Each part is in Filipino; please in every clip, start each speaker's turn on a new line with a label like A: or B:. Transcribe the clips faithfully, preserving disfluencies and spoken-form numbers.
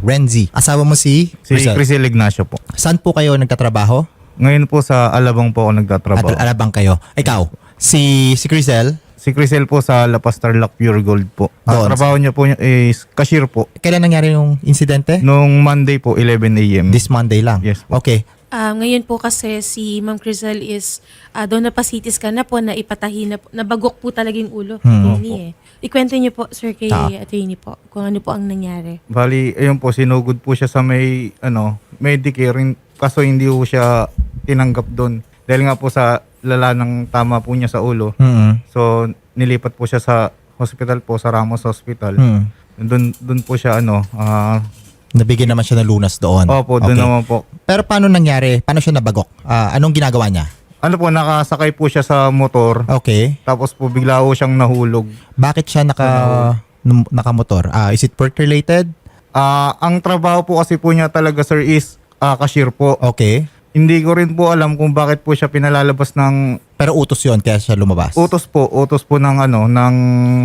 A: Renzi. Asawa mo si
B: Si
A: Crisel.
B: Crisel Ignacio po.
A: Saan po kayo nagtatrabaho?
B: Ngayon po sa Alabang po ako nagtatrabaho.
A: At alabang kayo. Ikaw, si si Crisel,
B: Si Crisel po sa La Paz Tarlac Pure Gold po.
A: Doon.
B: Ang trabaho niya po niya is cashier po.
A: kailan nangyari yung insidente?
B: Nung Monday po, eleven a m
A: This Monday lang.
B: Yes po.
A: Okay.
C: Ah, ngayon po kasi si Ma'am Crisel is uh, doon na pa-C T scan na po, na ipatahi na po, nabagok po talaga yung ulo.
A: Hmm.
C: Attorney, eh. Ikwento niyo po, sir, kay
A: Ah.
C: attorney po, kung ano po ang nangyari.
B: Bali, ayun po, sinugod po siya sa may, ano, Medicare. Kaso hindi po siya tinanggap doon. Dahil nga po sa lala ng tama po niya sa ulo.
A: Mm.
B: So, nilipat po siya sa hospital po, sa Ramos Hospital.
A: Mm.
B: Doon, doon po siya, ano, ah,
A: Nabigyan naman siya ng lunas doon.
B: opo, doon
A: Okay.
B: naman po.
A: Pero paano nangyari? Paano siya nabagok? Ah, anong ginagawa niya?
B: Ano po, nakasakay po siya sa motor.
A: Okay.
B: Tapos po, bigla po siyang nahulog.
A: Bakit siya naka num- nakamotor? Ah, is it work related?
B: Ah, ang trabaho po kasi po niya talaga, sir, is ah, cashier po.
A: Okay.
B: Hindi ko rin po alam kung bakit po siya pinalalabas ng
A: Pero utos 'yon kaya siya lumabas.
B: utos po, utos po ng ano, ng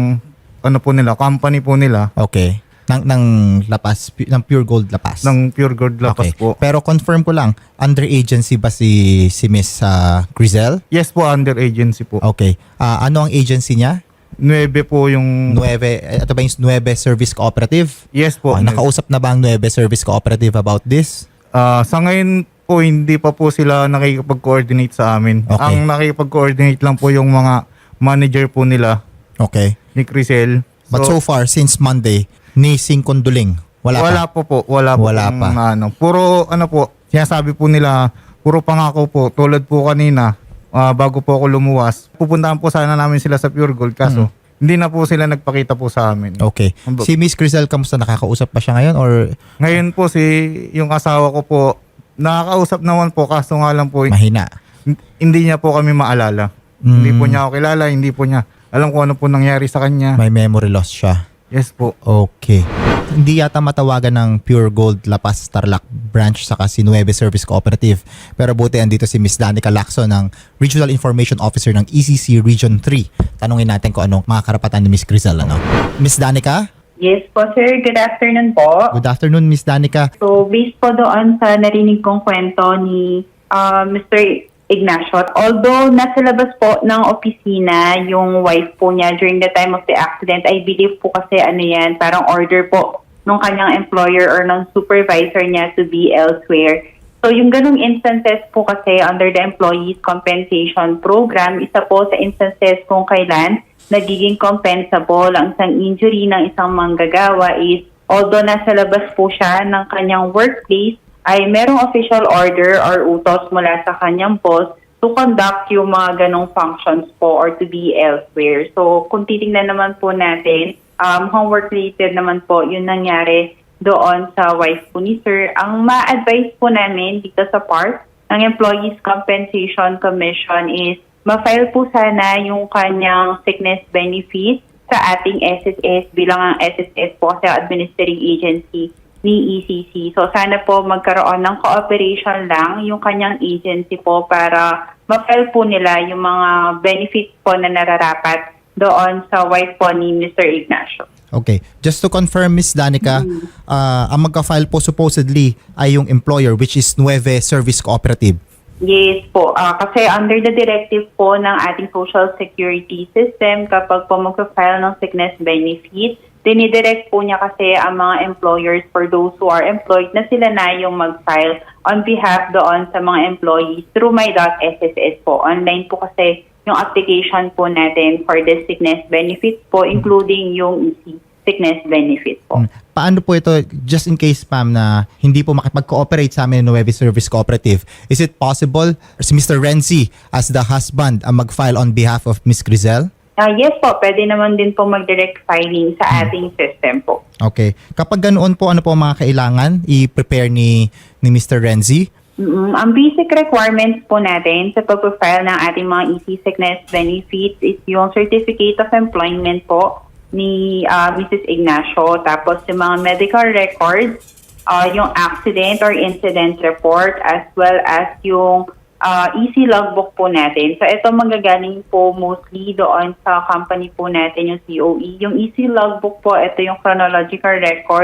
B: ano po nila, company po nila,
A: Okay. Ng ng Lapas, pu- ng Pure Gold Lapas.
B: ng Pure Gold Lapas
A: Okay.
B: po.
A: Pero confirm ko lang, under agency ba si si Miss ah, Crisel?
B: Yes po, under agency po.
A: Okay. Ah, ano ang agency niya?
B: Nueve po yung...
A: Nueve, eh, ito ba yung Nueve Service Cooperative?
B: Yes po.
A: Ah, nakausap na ba ang Nueve Service Cooperative about this?
B: Ah, sa ngayon po, hindi pa po sila nakikipag-coordinate sa amin.
A: Okay.
B: Ang nakikipag-coordinate lang po yung mga manager po nila
A: Okay.
B: ni Crisel.
A: But so far, since Monday, ni Sing Conduling, wala,
B: wala
A: pa.
B: po po. Wala, po
A: Wala
B: pong,
A: pa.
B: Ano, puro ano po, sinasabi po nila, puro pangako po. Tulad po kanina, ah, bago po ako lumuwas, pupuntahan po sana namin sila sa Pure Gold. Kaso, hindi na po sila nagpakita po sa amin.
A: Okay.
B: Ano ba-
A: Si Miss Crisel, kamusta? Nakakausap pa siya ngayon? Or
B: Ngayon po, si yung asawa ko po, nakakausap naman po, kaso nga lang po,
A: mahina?
B: hin- hindi niya po kami maalala.
A: Mm.
B: Hindi po niya ako kilala, hindi po niya alam kung ano po nangyari sa kanya.
A: May memory loss siya.
B: Yes po.
A: Okay. Hindi yata matawagan ng Pure Gold Lapas Tarlac branch saka si Nueve Service Cooperative. Pero buti andito si Miss Danica Lacson ng Regional Information Officer ng E C C Region three. Tanungin natin kung anong mga karapatan ni Miss Crisel. Ano? Miss Danica?
D: Yes po, sir. Good afternoon po.
A: Good afternoon, Miss Danica.
D: So, based po doon sa narinig kong kwento ni uh, Mister Ignacio, although nasa labas po ng opisina yung wife po niya during the time of the accident, I believe po kasi ano yan, parang order po nung kanyang employer or ng supervisor niya to be elsewhere. So, yung ganung instances po kasi under the Employees Compensation Program, isa po sa instances kung kailan nagiging compensable ang isang injury ng isang manggagawa is although nasa labas po siya ng kanyang workplace, ay merong official order or utos mula sa kanyang boss to conduct yung mga ganong functions po or to be elsewhere. So, kung titingnan naman po natin, um, homework-related naman po yung nangyari doon sa wife po ni Sir. Ang ma-advise po namin dito sa part ng Employees Compensation Commission is ma-file po sana yung kanyang sickness benefit sa ating S S S bilang ang S S S po sa administering agency ni E C C. So sana po magkaroon ng cooperation lang yung kanyang agency po para ma-file po nila yung mga benefits po na nararapat doon sa wife po ni Mister Ignacio.
A: Okay. Just to confirm, Miss Danica, ah, ang magka-file po supposedly ay yung employer which is Nueve Service Cooperative.
D: Yes po. Ah, kasi under the directive po ng ating Social Security System, kapag po mag-file ng sickness benefit, dinidirect po niya kasi ang mga employers for those who are employed na sila na yung mag-file on behalf doon sa mga employees through my dot S S S po. Online po kasi yung application po natin for the sickness benefit po, including yung E C sickness benefit po.
A: Mm. Paano po ito, just in case ma'am na hindi po makipag-cooperate sa amin ng Nueve Service Cooperative, is it possible si Mister Renzi as the husband ang mag-file on behalf of Miss Crisel?
D: Ah, yes po, pwede naman din po mag-direct filing sa ating system po.
A: Okay. Kapag ganoon po, ano po ang mga kailangan i-prepare ni, ni Mister Renzi?
D: Mm, ang basic requirements po natin sa pag-file ng ating mga E C sickness benefits is yung Certificate of Employment po ni uh, Missus Ignacio, tapos yung mga medical records, uh, yung accident or incident report, as well as yung uh, E C logbook po natin. So ito manggagaling po mostly doon sa company po natin, yung C O E. Yung E C logbook po, ito yung chronological record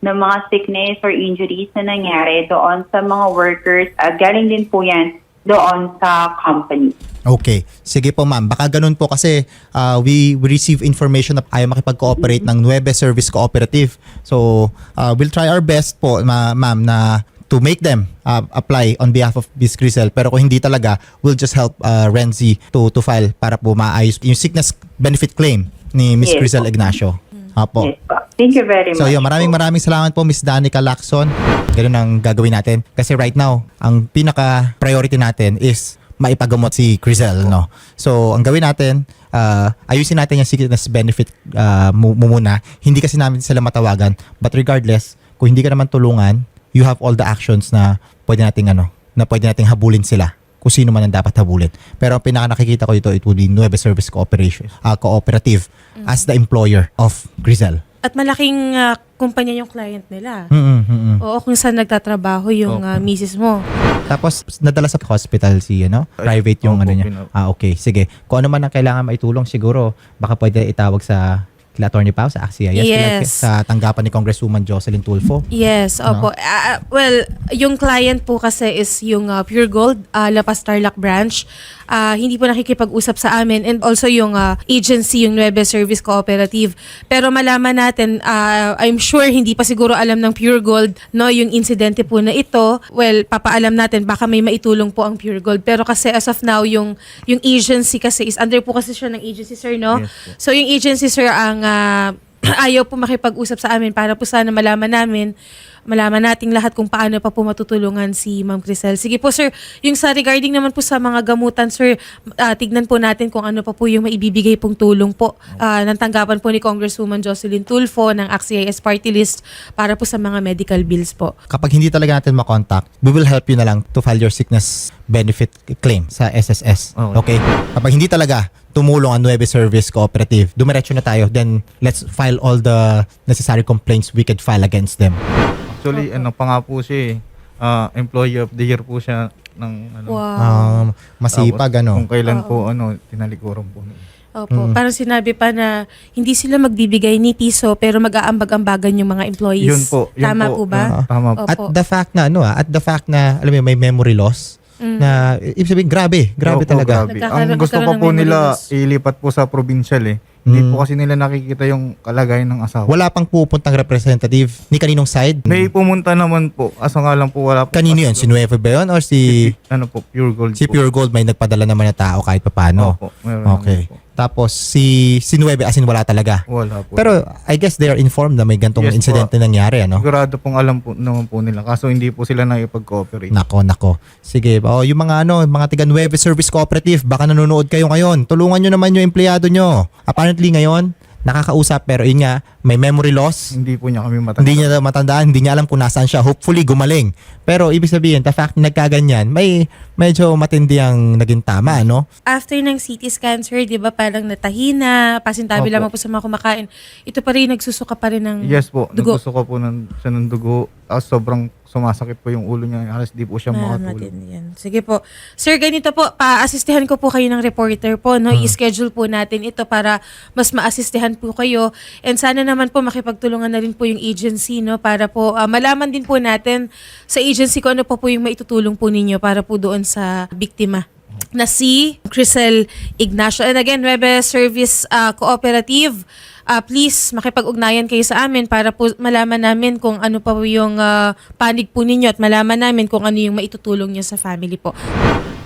D: ng mga sickness or injuries na nangyari doon sa mga workers at galing din po yan doon sa company.
A: Okay. Sige po ma'am. Baka ganun po kasi uh, we, we receive information na ayaw makipag-cooperate ng Nueve Service Cooperative. So, uh, we'll try our best po ma- ma'am na to make them uh, apply on behalf of Miz Crizelle. Pero kung hindi talaga, we'll just help uh, Renzi to, to file para po maayos yung sickness benefit claim ni Miz
D: Yes
A: Crizelle
D: po.
A: Ignacio. Apo.
D: Yes po. Thank you very
A: So
D: much.
A: yun, maraming
D: po.
A: maraming salamat po Miss Danica Lacson. Ganun ang gagawin natin. Kasi right now, ang pinaka-priority natin is maipagamot si Crizelle, no? So, ang gawin natin, uh, ayusin natin yung sickness benefit uh, mu- mu- muna. Hindi kasi namin sila matawagan. But regardless, kung hindi ka naman tulungan, you have all the actions na pwede nating ano, na pwede nating habulin sila kung sino man ang dapat habulin. Pero ang pinaka nakikita ko dito, it would be Nueve Service Cooperation, uh, Cooperative as the employer of Crizelle.
C: At malaking ah, kumpanya yung client nila.
A: Mm-mm, mm-mm.
C: Oo, kung saan nagtatrabaho yung ah, misis mo.
A: Tapos nadala sa hospital si ano, private yung
B: Opo,
A: ano niya.
B: pina-
A: Ah okay, sige. Kung ano man ang kailangan maitulong siguro, baka pwede itawag sa kila Attorney Pao sa A X I A. Yes,
C: Yes.
A: kila- sa tanggapan ni Congresswoman Jocelyn Tulfo.
C: Yes, opo. Ah, well, yung client po kasi is yung ah, Pure Gold, uh, La Paz Tarlac branch. Ah, hindi po nakikipag-usap sa amin, and also yung ah, agency, yung Nueve Service Cooperative. Pero malaman natin, ah, I'm sure hindi pa siguro alam ng Pure Gold, no, yung insidente po na ito. Well, papaalam natin, baka may maitulong po ang Pure Gold. Pero kasi as of now, yung yung agency kasi is under po kasi siya ng agency, sir, no?
B: Yes po.
C: So yung agency, sir, ang ah, ayaw po makipag-usap sa amin para po sana malaman namin, malaman nating lahat kung paano pa po matutulungan si Ma'am Crizelle. Sige po, sir, yung sa regarding naman po sa mga gamutan, sir, ah, tignan po natin kung ano pa po yung maibibigay pong tulong po ah, ng tanggapan po ni Congresswoman Jocelyn Tulfo ng A X I A S Party List para po sa mga medical bills po.
A: Kapag hindi talaga natin makontakt, we will help you na lang to file your sickness benefit claim sa S S S.
B: Okay.
A: Okay? Kapag hindi talaga tumulong ang Nueve Service Cooperative, dumiretso na tayo, then let's file all the necessary complaints we could file against them.
B: Actually, ano pa nga po siya eh. Ah, Employee of the Year po siya ng ano.
C: Wow.
A: Um, masipag,
B: Tapos,
A: ano.
B: Kung kailan po, ano, tinalikuran po.
C: Opo. Parang sinabi pa na hindi sila magbibigay ni piso pero mag-aambag-ambagan yung mga employees.
B: Yun po. Yun
C: Tama po, ba?
B: yun, tama po.
C: Opo.
A: At the fact na, ano ah, at the fact na, alam mo, yun, may memory loss, na, ibig sabihin, grabe, grabe
B: Opo,
A: talaga.
B: grabe.
C: Nagkakaroon-
B: Ang gusto pa
C: nagkaroon ng
B: po
C: memory
B: nila
C: loss.
B: ilipat po sa provincial eh. Hindi
A: Mm.
B: po kasi nila nakikita yung kalagayan ng asawa.
A: Wala pang pupuntang representative ni kaninong side?
B: May pumunta naman po. Asa nga lang po wala po.
A: Kanino yun? Si Nueve ba yun? Or si,
B: Ano po, Pure Gold
A: si
B: po.
A: Pure Gold may nagpadala naman na tao kahit papano?
B: Opo, meron
A: Okay.
B: naman po.
A: Tapos si si Nueve as in wala talaga.
B: Wala po.
A: Pero I guess they are informed na may gantong
B: Yes po.
A: incident na nangyari, ano?
B: sigurado pong alam po naman po nila. Kaso hindi po sila nakipag-cooperate.
A: Nako, nako. Sige, oh, yung mga ano, mga tiga Nueve Service Cooperative, baka nanonood kayo ngayon. Tulungan nyo naman yung empleyado nyo. Apparently ngayon, nakakausap pero yun nga, may memory loss.
B: Hindi po niya kami matanda.
A: Hindi niya matandaan, hindi niya alam kung nasaan siya. Hopefully, gumaling. Pero ibig sabihin, the fact na nagkaganyan, may medyo matindi ang naging tama, no?
C: After ng C T scan, sir, di ba parang natahina, pasintabi
B: Opo.
C: lamang po sa mga kumakain. Ito pa rin, nagsusuka pa rin ng
B: Yes po.
C: dugo.
B: Naggusto ko po ng, siya ng dugo. Tapos sobrang sumasakit po yung ulo niya. Halos di po siya
C: Ah,
B: makatulog.
C: matindi yan. Sige po. Sir, ganito po, pa-assistihan ko po kayo ng reporter po, no? I-schedule po natin ito para mas ma-assistihan po kayo. And sana naman po makipagtulungan na rin po yung agency, no? Para po ah, malaman din po natin sa agency kung ano pa po yung maitutulong po ninyo para po doon sa biktima na si Crizelle Ignacio. And again, Nueve Service ah, Cooperative, ah, please makipag-ugnayan kayo sa amin para po malaman namin kung ano pa po yung ah, panig po ninyo at malaman namin kung ano yung maitutulong nyo sa family po.